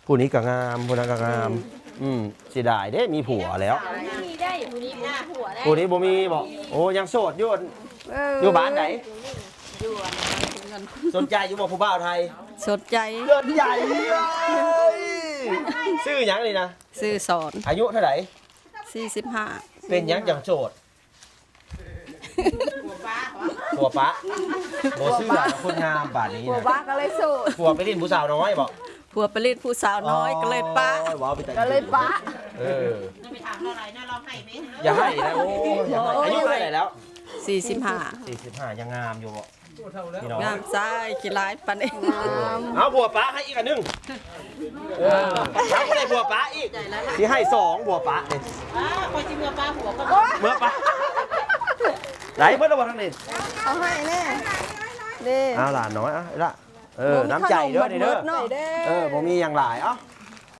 ผู้นี้ก็งามผู้นั้นก็งามเสียดายเด้มีผัวแล้วมีได้ผู้นี้มีผัวได้ผู้นี้บ่มีบ่โอ้ยังโสดอยู่อยู่บ้านไหนสนใจอยู่บ่ผู้บ่าวไทยสดใจเกินใหญ่เลยชื่อหยังนี่นะซื้อสอนอายุเท่าไหร่ 45 เป็นหยังจังโสดผัวปะบ่ชื่อหลานคนงามป่านนี้ผัวนะบ้าก็เลยสู้ผัวไปเล่นผู้สาวน้อยบ่ผัวไปเล่นผู้สาวน้อยก็เลยปะโอ้ว้าวไปแต่ก็เลยปะเออไปถามเราอะไรนะเราให้ไหมอย่าให้นะโอ้อย่าให้อายุเท่าไหร่แล้ว 45 45ยังงามอยู่บ่พี่น้องงามซ้ายขี้ร้ายปานนี้เอาผัวปะให้อีกอันหนึงเอาก็ได้ผัวปะอีกที่ให้2ผัวปะนี่คอยจิเมื่อป้าหัวก็เมื่อปะไหนเพิ่นเอาบ่ทางนี้เอาให้แน่เด้เอาหลานน้อยอ่ะละน้ำใจเด้อนี่เด้อหน่อยเด้บ่มีอย่างหลายเอ้า